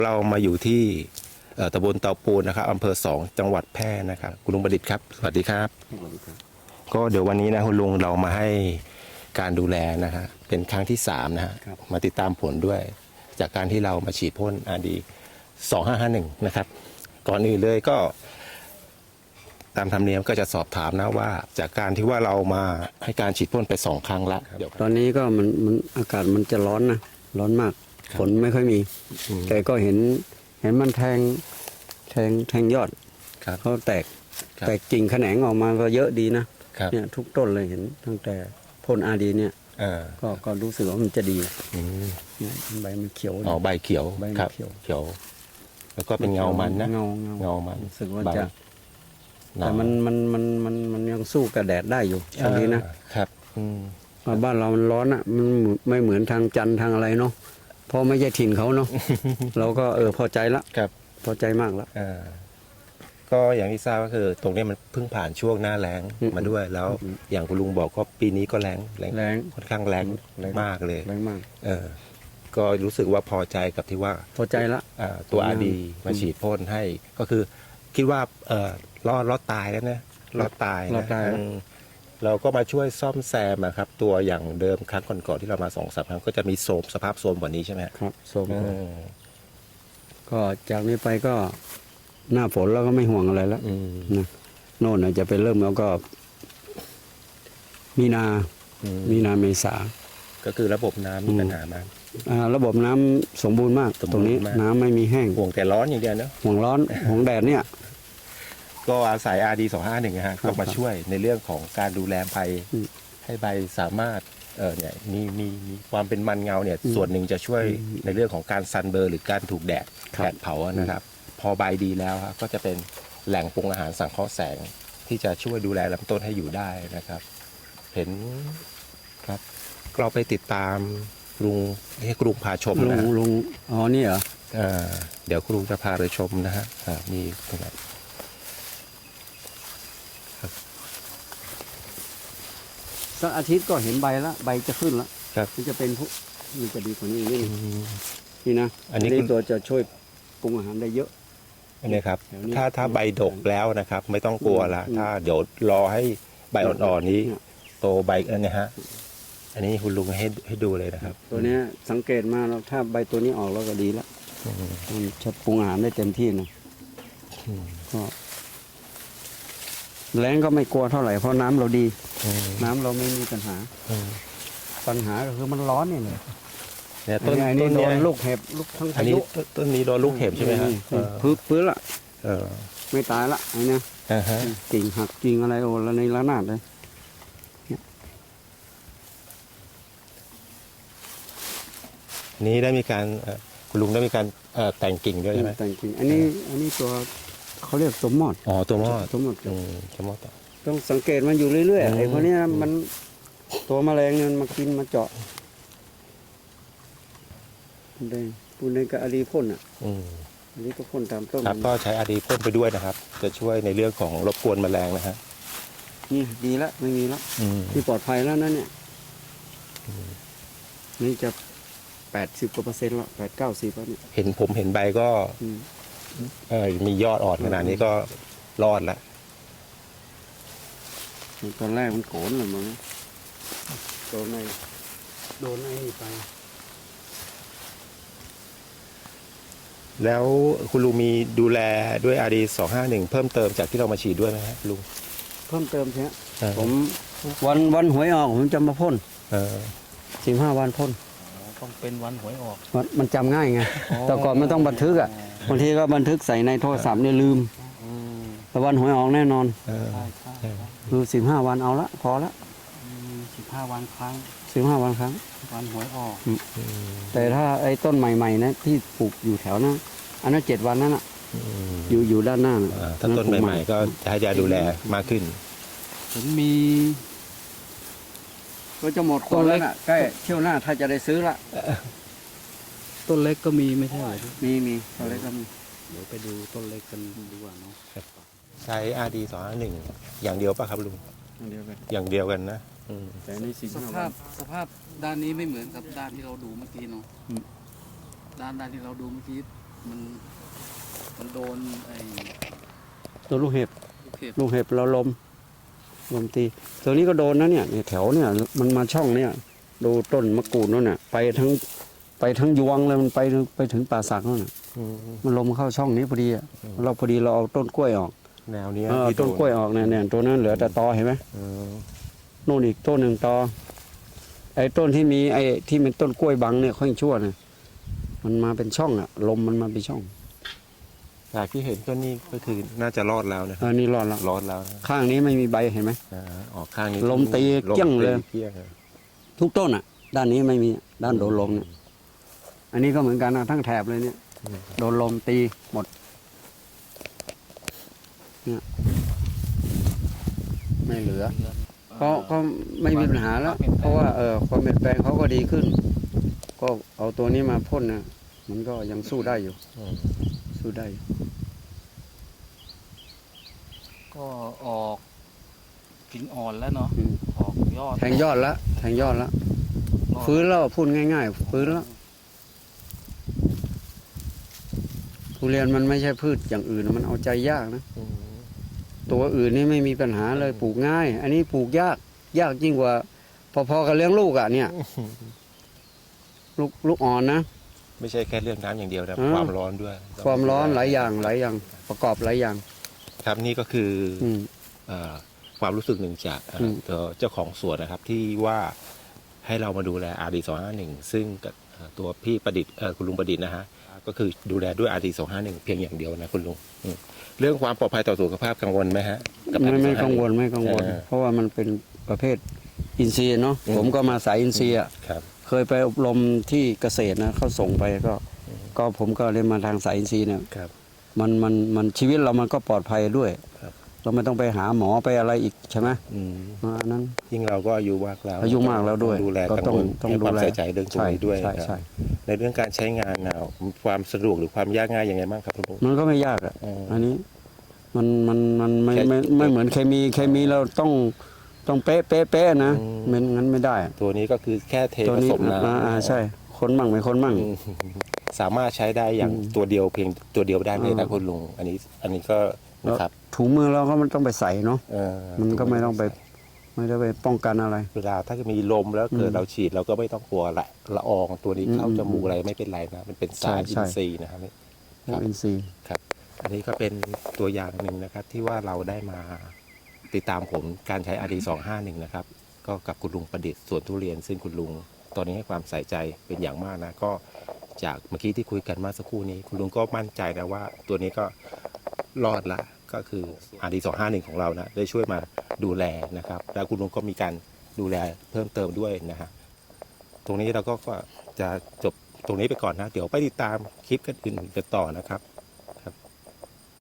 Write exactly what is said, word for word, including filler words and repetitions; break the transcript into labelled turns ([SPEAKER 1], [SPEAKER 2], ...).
[SPEAKER 1] เรามาอยู่ที่ตำบลเตาปูนนะครับอำเภอสองจังหวัดแพร่นะครับคุณลุงประดิษฐ์ครับสวัสดีครับก็เดี๋ยววันนี้นะคุณลุงเรามาให้การดูแลนะฮะเป็นครั้งที่สามนะฮะมาติดตามผลด้วยจากการที่เรามาฉีดพ่นอาดีสองห้าห้าหนึ่งนะครับก่อนอื่นเลยก็ตามธรรมเนียมก็จะสอบถามนะว่าจากการที่ว่าเรามาให้การฉีดพ่นไปสองครั้งละ
[SPEAKER 2] ตอนนี้ก็มันมันอากาศมันจะร้อนนะร้อนมากฝนไม่ค่อยมีแต่ก็เห็นเห็นมันแทงแทงแทงยอดเขาแตกแตกกิ่งแขนงออกมาก็เยอะดีนะเนี่ยทุกต้นเลยเห็นตั้งแต่พ่นอาดีเนี่ยก็ก็รู้สึกว่ามันจะดีเนี่ยใบมันเขียว
[SPEAKER 1] อ๋อใบเขียว
[SPEAKER 2] ใบเขียว
[SPEAKER 1] เขียวแล้วก็เป็นเงามันนะ
[SPEAKER 2] เงา
[SPEAKER 1] เงามัน
[SPEAKER 2] รู้สึกว่าจะแต่มันมันมันมันมันยังสู้กับแดดได้อยู่ตอนนี้นะครับบ้านเรามันร้อนอ่ะมันไม่เหมือนทางจันทางอะไรเนาะเพราะไม่ใช่ถิ่นเขาเนาะเราก็เออพอใจละพอใจมากแล้ว
[SPEAKER 1] ก็อย่างที่ทราบก็คือตรงนี้มันเพิ่งผ่านช่วงหน้าแล้งมาด้วยแล้วอย่างคุณลุงบอกก็ปีนี้ก็แล้ง
[SPEAKER 2] แล้ง
[SPEAKER 1] ค่อนข้างแล้งมากเลย
[SPEAKER 2] แล้งมาก
[SPEAKER 1] เออก็รู้สึกว่าพอใจกับที่ว่า
[SPEAKER 2] พอใจละ
[SPEAKER 1] ตัวอาดีมาฉีดพ่นให้ก็คือคิดว่าเออรอดรอดตายแล้วนะรอดตายนะเราก็มาช่วยซ่อมแซมครับตัวอย่างเดิมครั้งก่อนๆที่เรามาสองสามครั้งก็จะมีโทรมสภาพโทรมกว่านี้ใช่ไหม
[SPEAKER 2] ครับโทรมก็จากนี้ไปก็หน้าฝนเราก็ไม่ห่วงอะไรแล้วนะโน่นจะไปเริ่มแล้วก็มีนามีนาเมษา
[SPEAKER 1] ก็คือระบบน้ำมีปัญหามาก
[SPEAKER 2] ระบบน้ำสมบูรณ์มากตรงนี้น้ำไม่มีแห้ง
[SPEAKER 1] ห่วงแต่ร้อนอย่างเดียวเนาะ
[SPEAKER 2] ห่วงร้อนห่วงแดดเนี่ย
[SPEAKER 1] ก็อาศัย อาร์ ดี สองห้าหนึ่งนะฮะก็มาช่วยในเรื่องของการดูแลใบให้ใบสามารถเออเนี่ยมีมีมีความเป็นมันเงาเนี่ยส่วนหนึ่งจะช่วยในเรื่องของการซันเบอร์หรือการถูกแดดแดดเผานะครับพอใบดีแล้วครับก็จะเป็นแหล่งปรุงอาหารสังเคราะห์แสงที่จะช่วยดูแลลำต้นให้อยู่ได้นะครับ เห็นครับเราไปติดตามลุงให้ครูพาชมนะ
[SPEAKER 2] ลุงลุงอ๋อนี่เหรอ
[SPEAKER 1] เดี๋ยวครูจะพาไปชมนะฮะมีตรงไหน
[SPEAKER 2] สักอาทิตย์ก็เห็นใบแล้วใบจะขึ้นแล้วมันจะเป็นพวกมันจะดีกว่านี้นี่นี่นะอันนี้ตัวจะช่วยปรุงอาหารได้เยอะ
[SPEAKER 1] อันนี้ครับถ้าถ้าใบดกแล้วนะครับไม่ต้องกลัวละถ้าเดี๋ยวรอให้ใบอ่อนๆนี้โตใบอันนี้ฮะอันนี้คุณลุงให้ให้ดูเลยนะครับ
[SPEAKER 2] ตัวนี้สังเกตมาแล้วถ้าใบตัวนี้ออกแล้วก็ดีแล้วมันจะปรุงอาหารได้เต็มที่นะก็แล้งก็ไม่กลัวเท่าไหร่เพราะน้ำเราดีน้ำเราไม่มีปัญหาปัญหาก็คือมันร้อนนี่เลย
[SPEAKER 1] เนี่ยต้น
[SPEAKER 2] นี้โดนลูกเห็บลูกทั้งพายุ
[SPEAKER 1] ต้นนี้โดนลูกเห็บใช่ไหมฮะ
[SPEAKER 2] พื้นพื้นละไม่ตายละไอ้เนี่ยกิ่งหักกิ่งอะไรโอ้ละในระนาดเลย
[SPEAKER 1] นี้ได้มีการคุณลุงได้มีการแต่งกิ่งด้วยใช่ไหม
[SPEAKER 2] แต่งกิ่งอันนี้อันนี้ตัวเขาเรียกตัวมอด
[SPEAKER 1] อ๋อตัวมอด
[SPEAKER 2] ตัวมอด
[SPEAKER 1] ตัวมอด
[SPEAKER 2] ต้องสังเกตมันอยู่เรื่อยๆไอ้พวกนี้มันตัวแมลงเนี่ยมากินมาเจาะได้ปูนในกับอาดีพ่นอ่ะอันนี้ก็พ่นตามต้น
[SPEAKER 1] ครับก็ใช้อาดีพ่นไปด้วยนะครับจะช่วยในเรื่องของรบกวนแมลงนะฮะ
[SPEAKER 2] นี่ดีแล้วไม่มีแล้วที่ปลอดภัยแล้วนั่นเนี่ยนี่จะแปดสิบกว่าเปอร์เซ็นต์แล้วแปดเก้าสิบแล้วเนี่ย
[SPEAKER 1] เห็นผมเห็นใบก็เออมียอดอ่อนขนาดนี้ก็รอดแล้ว
[SPEAKER 2] ตอนแรกมันโขนเลยมั้งโดนไอ้โดนไอ้นี่ไป
[SPEAKER 1] แล้วคุณลุงมีดูแลด้วย อาร์ ดี สองห้าหนึ่งเพิ่มเติมจากที่เรามาฉีดด้วยไหมครับลุง
[SPEAKER 2] เพิ่มเติมใช่ไหมผมวันวันหวยออกผมจะมาพ่นสิบห้าวันพ่น
[SPEAKER 3] ต้องเป็นวันหวยออก
[SPEAKER 2] มันจำง่ายไงแต่ก่อนมันต้องบันทึกอ่ะบางทีก็บันทึกใส่ในโทรศัพท์เนี่ยลืมแต่วันหวยออกแน่นอนคือสิบห้าวันเอาละพอละ
[SPEAKER 3] สิบห้าวันครั้ง
[SPEAKER 2] สิบห้าวันครั้ง
[SPEAKER 3] วันหวยออก
[SPEAKER 2] แต่ถ้าไอ้ต้นใหม่ๆนะที่ปลูกอยู่แถวนั้นอันนั้นเจ็ดวันนั่นอ่ะอยู่อยู่ด้านหน้า
[SPEAKER 1] ถ้าต้นใหม่ๆก็ให้ยาดูแลมากขึ้น
[SPEAKER 3] ผมมี
[SPEAKER 2] ก็จะหมดคนแล้วน่ะใกล้เที่ยวหน้าถ้าจะได้ซื้อละ
[SPEAKER 3] ต้นเล็กก็มีไม่ใช่หรอ
[SPEAKER 2] มีมีต้นเล็กก็มี
[SPEAKER 3] เดี๋ยวไปดูต้นเล็กกันดีกว่าเนาะ
[SPEAKER 1] ใช้ อาร์ ดี สองห้าหนึ่งอย่างเดียวป่ะครับลุง
[SPEAKER 2] อย่างเดียวกัน
[SPEAKER 1] อย่างเดียวกันนะ
[SPEAKER 2] แต่ใน
[SPEAKER 3] สภาพสภาพด้านนี้ไม่เหมือนกับด้านที่เราดูเมื่อกี้เนาะด้านด้านที่เราดูเมื่อกี้มันมันโดนไอ้
[SPEAKER 2] ตัวลูกเห็บ
[SPEAKER 3] ลูกเห็บ
[SPEAKER 2] ลูกเห็บเราลมลมตี ตัวนี้ก็โดนนะเนี่ยเนี่ยแถวเนี่ยมันมาช่องเนี่ย ดูต้นมะกรูดนั่นน่ะไปทั้งไปทั้งยวงเลยมันไปไปถึงป่าสักนั่นน่ะ
[SPEAKER 1] อืม
[SPEAKER 2] มันลมเข้าช่องนี้พอดีอะเราพอดีเราเอาต้นกล้วยออก
[SPEAKER 1] แนวเนี้ย
[SPEAKER 2] เออ
[SPEAKER 1] ที่
[SPEAKER 2] ต้น
[SPEAKER 1] โด
[SPEAKER 2] กล้วยออกเนี่ยเนี่ยตัวนั้นเหลือแต่ตอเห็นไหม
[SPEAKER 1] เออ
[SPEAKER 2] นู่นอีกต้นหนึ่งตอไอ้ต้นที่มีไอ้ที่เป็นต้นกล้วยบังเนี่ยค่อยชั่วเนี่ยมันมาเป็นช่องอะลมมันมาเป็นช่อง
[SPEAKER 1] จากที่เห็นก็นี่ก็คือน่าจะรอดแล้วนะค
[SPEAKER 2] เอ
[SPEAKER 1] รับ
[SPEAKER 2] อนี่รอดละ
[SPEAKER 1] รอดแล้วนะ
[SPEAKER 2] ข้างนี้ไม่มีใบเห็นไหม
[SPEAKER 1] อ่าออกข้างนี้
[SPEAKER 2] ลมตีเกี้ยงเลย
[SPEAKER 1] มตีเกี้ยงเลย
[SPEAKER 2] ทุกต้นอ่ะ ด้านนี้ไม่มีด้านโดนลมเนี่ยอันนี้ก็เหมือนกันนะทั้งแถบเลยเนี่ยโดนลมตีหมดเนี่ยไม่เหลือ
[SPEAKER 3] เดือน
[SPEAKER 2] ก็ก็ไม่มีปัญหาแล้ว เพราะว่าเออความเปลี่ยนแปลงเขาก็ดีขึ้น ก็เอาตัวนี้มาพ่นนะมันก็ยังสู้ได้อยู่
[SPEAKER 1] อืม
[SPEAKER 2] สู้ได้อยู่
[SPEAKER 3] ก็ออกกิ่งอ่อนแล้วเนาะ
[SPEAKER 2] อืม
[SPEAKER 3] ออกยอด
[SPEAKER 2] แทงยอดละแทงยอดละ
[SPEAKER 3] รอด
[SPEAKER 2] ฟื้นแล้วพูดง่าย ๆ ฟื้นแล้วทุเรียนมันไม่ใช่พืชอย่างอื่นมันเอาใจยากนะ
[SPEAKER 1] อืม
[SPEAKER 2] ตัวอื่นนี่ไม่มีปัญหาเลยปลูกง่าย อันนี้ปลูกยาก ยากยิ่งกว่า พอๆกับเลี้ยงลูกอ่ะเนี่ย ลูกลูกอ่อนนะ
[SPEAKER 1] ไม่ใช่แค่เรื่องน้ำอย่างเดียวนะ
[SPEAKER 2] อืม
[SPEAKER 1] ความร้อนด้วย
[SPEAKER 2] ความร้อนหลายอย่างหลายอย่างประกอบหลายอย่าง
[SPEAKER 1] ครับนี่ก็คืออ
[SPEAKER 2] อืม
[SPEAKER 1] เอ่อความรู้สึกหนึ่งจากเอ่ออ
[SPEAKER 2] ม
[SPEAKER 1] ตัวเจ้าของสวนนะครับที่ว่าให้เรามาดูแล อาร์ ดี สองห้าหนึ่งซึ่งกับเอ่อตัวพี่ประดิษฐ์เอ่อคุณลุงประดิษฐ์นะฮะก็คือดูแลด้วย อาร์ ดี สองห้าหนึ่งเพียงอย่างเดียวนะคุณลุงอืมเรื่องความปลอดภัยต่อสุขภาพกังวลไหมฮะกับ
[SPEAKER 2] ไม่
[SPEAKER 1] อาร์ ดี
[SPEAKER 2] ไม่
[SPEAKER 1] สอ
[SPEAKER 2] กังวล
[SPEAKER 1] ห้าหนึ่
[SPEAKER 2] ไม่กังวล
[SPEAKER 1] เออ
[SPEAKER 2] เพราะว่ามันเป็นประเภทอินทรีย์เนาะ
[SPEAKER 1] อืม
[SPEAKER 2] ผมก็มาสายอินทรีย์อ่ะ
[SPEAKER 1] ครับ
[SPEAKER 2] เคยไปอบรมที่เกษตรนะเขาส่งไปก็ ก็ผมก็เรียนมาทางสายอินทรีย์เนี่ย
[SPEAKER 1] ครับ
[SPEAKER 2] มันมันมันชีวิตเรามันก็ปลอดภัยด้วย
[SPEAKER 1] ครับ
[SPEAKER 2] เราไม่ต้องไปหาหมอไปอะไรอีกใช่ไหม
[SPEAKER 1] อืม
[SPEAKER 2] อันนั้น
[SPEAKER 1] ยิ่งเราก็อายุมากแล้ว
[SPEAKER 2] อายุมากแล้วด้วย
[SPEAKER 1] ต้องดูแล
[SPEAKER 2] ก็
[SPEAKER 1] กัง
[SPEAKER 2] ต้อง
[SPEAKER 1] วล
[SPEAKER 2] ต้อง
[SPEAKER 1] ให้ความ
[SPEAKER 2] ดูแล
[SPEAKER 1] ใส่ใจเรื่องตรงนี้ด้วย
[SPEAKER 2] ใช่
[SPEAKER 1] ครับ
[SPEAKER 2] ใช่
[SPEAKER 1] ในเรื่องการใช้งานนะความสะดวกหรือความยากง่ายยังไงบ้างครับคุณลุง
[SPEAKER 2] มันก็ไม่ยากอ่ะ
[SPEAKER 1] อืม
[SPEAKER 2] อันนี้มันมันมันไม่
[SPEAKER 1] แค่
[SPEAKER 2] ไม่ไม่เหมือนเคมีเคมีเราต้องต้องเป๊ะเป๊ะเป๊ะนะ
[SPEAKER 1] อืม
[SPEAKER 2] ไม่งั้นไม่ได้
[SPEAKER 1] ตัวนี้ก็คือแค่เท
[SPEAKER 2] ตัว
[SPEAKER 1] ผ
[SPEAKER 2] นี้
[SPEAKER 1] สมน้
[SPEAKER 2] อ่าอ่า
[SPEAKER 1] ำ
[SPEAKER 2] ใช่คนมั่งไม่คนมั่ง
[SPEAKER 1] อืมสามารถใช้ได้อย่าง
[SPEAKER 2] อืม
[SPEAKER 1] ตัวเดียวเพียงตัวเดียวได้เลยนะ
[SPEAKER 2] อ่า
[SPEAKER 1] คุณลุงอันนี้อันนี้ก็นะครับ
[SPEAKER 2] ถุงมือเราก็มันต้องไปใส่เนาะ
[SPEAKER 1] เออ
[SPEAKER 2] มันก็ไม่ต้องไป ไม่ได้ไปป้องกันอะไร
[SPEAKER 1] เวลาถ้ามีลมแล้วเกิด
[SPEAKER 2] อืม
[SPEAKER 1] เราฉีดเราก็ไม่ต้องกลัวละละอองตัวนี้เข้า
[SPEAKER 2] อืม
[SPEAKER 1] จมูกอะไรไม่เป็นไรนะมันเป็นสาร
[SPEAKER 2] ใช่
[SPEAKER 1] อิ
[SPEAKER 2] ใช่
[SPEAKER 1] นทรีย์นะครับ ครับ
[SPEAKER 2] อินทรีย์
[SPEAKER 1] ครับ อันนี้ก็เป็นตัวอย่างหนึ่งนะครับ ที่ว่าเราได้มาติดตามผลการใช้ อาร์ ดี สองห้าหนึ่งนะครับ ก็กับคุณลุงประดิษฐ์สวนทุเรียน ซึ่งคุณลุงตอนนี้ให้ความใส่ใจเป็นอย่างมากนะ ก็จากเมื่อกี้ที่คุยกันเมาสักครู่นี้ คุณลุงก็มั่นใจนะว่าตัวนี้ก็รอดละก็คือ อาร์ ดี สองห้าหนึ่งของเรานะได้ช่วยมาดูแลนะครับ แล้วคุณลุงก็มีการดูแลเพิ่มเติมด้วยนะฮะตรงนี้เราก็ก็จะจบตรงนี้ไปก่อนนะ เดี๋ยวไปติดตามคลิปกันอื่นกันต่อนะครับ